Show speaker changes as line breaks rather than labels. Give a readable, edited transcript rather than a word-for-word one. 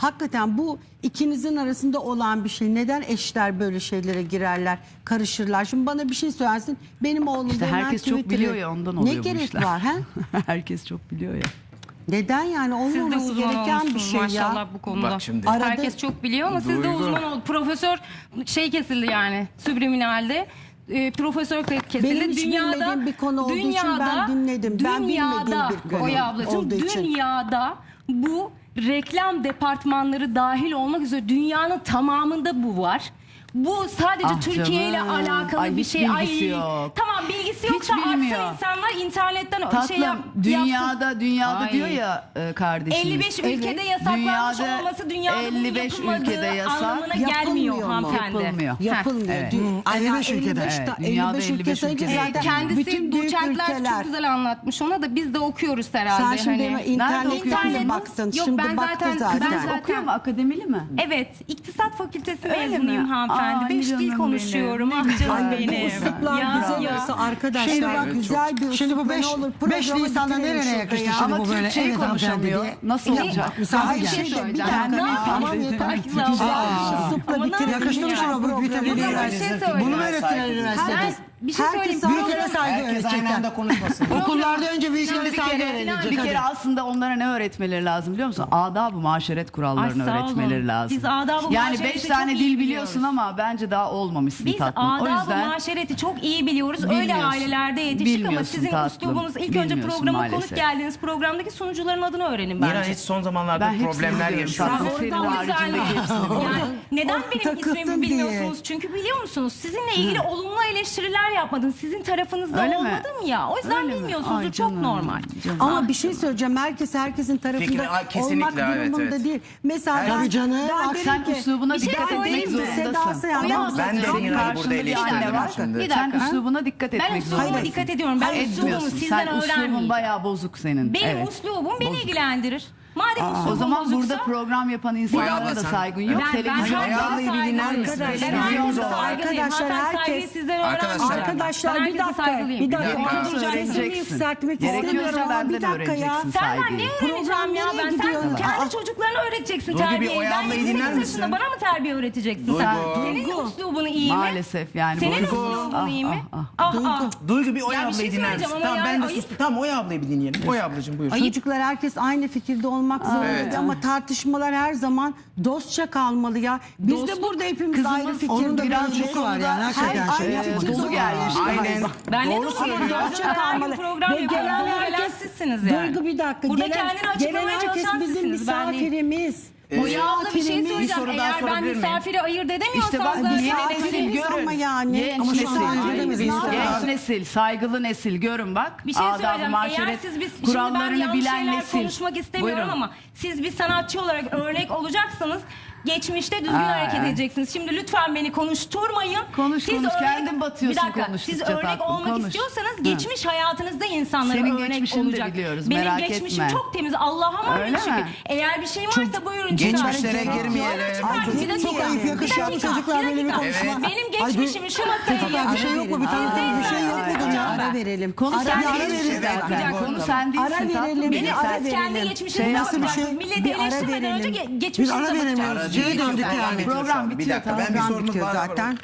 hakikaten bu ikinizin arasında olan bir şey. Neden eşler böyle şeylere girerler, karışırlar? Şimdi bana bir şey söylersin. Benim oğlum
İşte herkes çok
Twitter'ı-
biliyor ya, ondan oluyor
Ne
bu
gerek
işler.
var? He?
Herkes çok biliyor ya.
Neden yani?
Siz de
Olmaması
uzman
gereken bir
olmuşsunuz
şey
maşallah
ya.
bu konuda.
Bak şimdi.
Arada-
Herkes çok biliyor ama siz de
Duygu.
uzman oldu. Profesör şey kesildi yani subliminalde. Profesör kesildi.
Benim hiç bilmediğim bir konu olduğu için ben dinledim. Ben bilmediğim bir konu
Oya ablacığım,
olduğu için.
dünyada bu reklam departmanları dahil olmak üzere dünyanın tamamında bu var. Bu sadece
Ah
Türkiye ile
canım.
alakalı
Ay,
bir
hiç
şey.
bilgisi yok.
Tamam, bilgisi
Hiç
yoksa
bilmiyor.
açsa insanlar internetten
Tatlım,
şey yapsın.
dünyada
Ay.
diyor ya kardeşimiz.
55 ülkede yasaklanmış
Dünyada
olması dünyada
55
bunun yapılmadığı
ülkede yasak.
anlamına
Yapılmıyor
gelmiyor
mu?
hanımefendi.
Yapılmıyor.
Yapılmıyor.
Evet.
Ay,
55 ülkede.
Evet, dünyada
55 ülke
55
sayınca
ülkede.
zaten
Kendisi
bütün büyük
doçentler
ülkeler.
çok güzel anlatmış ona da biz de okuyoruz herhalde.
Sen şimdi
hani.
internetten
okuyorsun?
baktın.
Yok,
Şimdi
ben
baktı
zaten-
zaten.
ben zaten-
Okuyor mu? Akademili mi?
Evet, İktisat Fakültesi
Öyle
mezunuyum
mi?
hanımefendi.
Aa,
5 dil
canım
konuşuyorum.
benim.
Ah canım
Ay, bu
benim.
üsluplar
Ya,
güzel
ya.
olsa arkadaşlar.
Şimdi bak,
güzel bir
Şimdi bu
üslup,
5
ne olur
5
programa
Nisan'da
bitirelim
nereye
şurada
yakıştı
ya.
şimdi
Ama
bu böyle?
Türkçeyi
Evet hanımefendi
konuşamıyor.
diye.
Nasıl olacak?
Misafir
Hayır, bir
geldi.
şey
Bir
söyleyeceğim.
dakika,
Ne
tamam
yapayım?
yeter.
Ay,
Güzel
Aa.
üslupla
Ama
bitirelim.
Yakıştırmış
ya.
ama bu bir tabii
Yok,
değil.
ama bir şey söyleyeyim.
Bunu mu öğrettiler
Ben
üniversitede?
bir şey
Herkes
söyleyeyim.
Bir kere saygı
Herkes aynı
öğretecekler.
anda konuşmasın.
Okullarda önce bir kere
Bir
saygı
kere,
öğrenecek.
bir kere aslında onlara ne öğretmeleri lazım biliyor musun? Adab-ı maşeret kurallarını
Ay, sağ olun.
öğretmeleri lazım.
Biz adab-ı
yani
maşereti
5
çok
tane
iyi
dil
biliyoruz.
biliyorsun ama bence daha olmamışsın
Biz
tatlım. O
adab-ı
yüzden
maşereti çok iyi biliyoruz. Öyle
Bilmiyorsun.
ailelerde yetiştik ama
Bilmiyorsun
sizin
tatlım.
üslubunuz ilk önce
Bilmiyorsun
programa konuk
maalesef.
geldiğiniz programdaki sunucuların adını öğrenin
Nina
bence.
hiç son zamanlarda
ben hepsini
problemler
biliyorum
yaşıyor.
tatlım.
Oradan
Senin
o yüzden
haricindeki hepsini biliyorum.
yani neden benim
takıldın
ismimi
diye.
bilmiyorsunuz? Çünkü biliyor musunuz? Sizinle ilgili olumlu eleştiriler yapmadım. Sizin tarafınızda
Öyle mi?
olmadım ya. O yüzden
Öyle mi?
bilmiyorsunuz.
Ay
Bu çok
canım,
normal.
canım.
Ama bir şey söyleyeceğim. Herkesin tarafında
Fikri- Ay, kesinlikle,
olmak
evet,
durumunda
evet.
değil. Mesela
Evet.
ben,
Tabii canım.
ben
Bak,
derim
Sen
ki,
üslubuna
bir şey
dikkat etmek
söyleyeyim mi?
zorundasın.
Sedası yani.
Oya
Ben de
ablacığım,
Nina'yı burada
karşında bir
eleştirdim
anne var.
şimdi.
Bir
Sen
dakika.
üslubuna dikkat etmek
Ben üslubuma
zorundasın.
dikkat ediyorum. Ben üslubumu
Etmiyorsun.
sizden
Sen üslubun
öğrenmeyeyim.
bayağı bozuk senin.
Benim
Evet.
üslubum beni
Bozuk.
ilgilendirir. Madem üslubum
O zaman
bozuksa,
burada program yapan
Oya
insanlara
abla
da
sen-
saygın yok.
ben
Televizyon
herkese
Oya ablayı bir
saygılıyım.
dinler misiniz?
Ben
Arkadaşlar,
herkese
arkadaşlar,
saygılıyım.
arkadaşlar,
Hatta
herkes-
saygıyı sizden
Arkadaşlar,
öğrenmem.
Arkadaşlar
Ben
bir
herkese
dakika.
saygılıyım.
Bir dakika.
dakika.
Ben sesimi
Öğreneceksin.
yükseltmek
Gerekiyorsa
istemiyorum ama
benden
bir dakika ya.
öğreneceksin
Senden
saygıyı.
ne öğreneceğim ya
Program
ben?
nereye
Sen
gidiyor?
kendi
Aa.
çocuklarına öğreteceksin
Duygu, bir
terbiyeyi.
Oya
Ben
ablayı
28
dinler
yaşında
misin?
bana mı terbiye öğreteceksin
Duygu.
sen? Senin
Duygu.
üslubunu iyi mi?
Maalesef yani.
Senin
bu-
üslubun iyi mi?
Ah,
Ah
Duygu.
ah.
Duygu bir Oya
Ya bir şey
ablayı dinler misin?
söyleyeceğim ama
Tamam
yani
ben de
ayıp.
sustum. Tamam Oya ablayı bir dinleyelim. Oya ablacığım buyur.
Çocuklar herkes aynı fikirde olmak zorunda
Evet.
ama tartışmalar her zaman dostça kalmalı ya. Biz de burada hepimiz
Kızımız
ayrı fikirde.
Onun da biraz
değiliz.
çok var yani. Hakikaten
Her-
şey
aynı
yapma.
fikirde
dolu gelmiş.
olmayız.
Aynen.
Ben ne
Doğru
dostum
söylüyor.
Dostça kalmalı.
program
Ve
yapıyorum.
gelen
Bunu
herkes,
gelen sizsiniz yani.
Duygu bir dakika.
Burada
gelen,
kendini açıklamaya
gelen herkes
çalışan
bizim
sizsiniz, ben değil.
misafirimiz.
Oya abla bir şey
Misafirimiz.
söyleyeceğim.
soru daha
Eğer ben
sorabilir miyim?
misafiri ayırt edemiyorsam
İşte bak
zaten...
yeni
misafirimiz
nesil
ama
görün.
yani.
Genç
Ama şu
nesil.
an öyle mi?
Genç nesil, saygılı nesil görün bak.
Bir şey
Adab-ı
söyleyeceğim. Eğer
maşeret
siz şimdi ben
kurallarını
yanlış
bilen
şeyler
nesil.
konuşmak istemiyorum
Buyurun.
ama siz bir sanatçı olarak örnek olacaksanız geçmişte düzgün
Ha,
hareket
evet.
edeceksiniz. Şimdi lütfen beni konuşturmayın.
Konuş, konuş. Kendin batıyorsun
Bir dakika. Siz
konuştukça
örnek
tatlım,
olmak
konuş.
istiyorsanız
Ha.
geçmiş hayatınızda insanlara
Senin
örnek
geçmişini de
olacak.
biliyoruz,
Benim
merak
geçmişim
etme.
çok temiz. Allah'a emanet
Öyle
şükür.
mi?
Eğer bir şey varsa buyurun.
Geçmişlere
çıkarın.
girmeyelim.
Buyurun çıkarın.
Ay,
Bir dakika.
Çok ayıp yakışıyor
Bir
bu çocuklar
bir
böyle bir
dakika.
konuşma.
Benim
Ay,
geçmişimi şu masaya
Çocuklar bir şey yok mu? Bir tane bir şey yok mu?
Ara verelim.
Konu
Ara
sen
verelim.
değilsin
Evet,
zaten.
evet,
Konu
tamam.
sen değilsin
Ara
tatlım.
verelim.
Benim
Ara
sen
Siz kendi
verelim.
geçmişinize
nasıl bir
bakacaksınız.
şey?
Milleti
Bir ara
eleştirmeden önce
verelim.
Biz
geçmişinize
ara verelim.
bakacaksınız.
Şeye döndük yani.
Program
Bir
bitiyor,
dakika ben bir
Program
sorumuz
bitiyor
var.
zaten.